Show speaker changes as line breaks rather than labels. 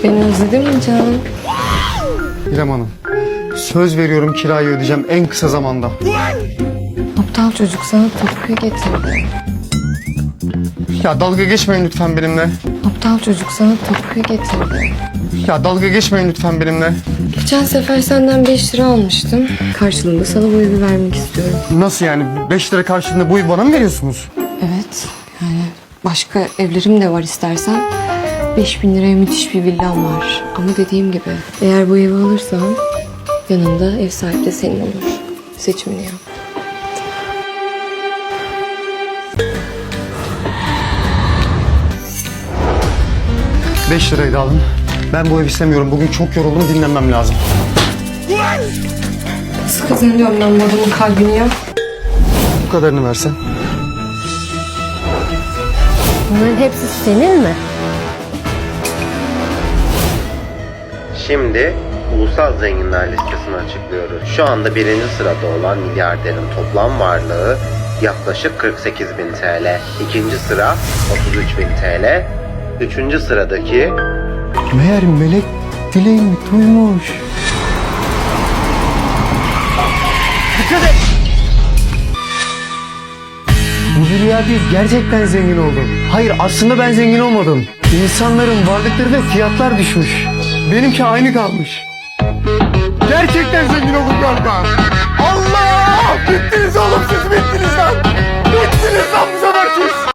Beni özledin mi canım?
İrem Hanım, söz veriyorum kirayı ödeyeceğim en kısa zamanda.
Aptal çocuk sana tapuyu getirdi.
Ya dalga geçmeyin lütfen benimle.
Aptal çocuk sana tapuyu getirdi.
Ya dalga geçmeyin lütfen benimle.
Geçen sefer senden 5 lira almıştım. Karşılığında sana bu evi vermek istiyorum.
Nasıl yani? 5 lira karşılığında bu evi bana mı veriyorsunuz?
Evet, yani başka evlerim de var istersen. 5.000 liraya müthiş bir villam var. Ama dediğim gibi eğer bu evi alırsan yanında ev sahibi de senin olur. Seçimini yap.
Beş lirayı da alın. Ben bu evi istemiyorum. Bugün çok yoruldum, dinlenmem lazım.
Nasıl kazanıyorum ben bu adamın kalbini ya?
Bu kadarını versen.
Bunların hepsi senin mi?
Şimdi ulusal zenginler listesini açıklıyoruz. Şu anda birinci sırada olan milyarderin toplam varlığı yaklaşık 48.000 TL. İkinci sıra 33.000 TL. Üçüncü sıradaki
Meğer melek dileğimi duymuş. Bu bir rüya değil, gerçekten zengin oldum. Hayır, aslında ben zengin olmadım. İnsanların varlıkları ve fiyatlar düşmüş. Benimki aynı kalmış. Gerçekten zengin oldum galiba. Allah! Bittiniz oğlum, siz bittiniz lan! Bittiniz lan bu sefer siz!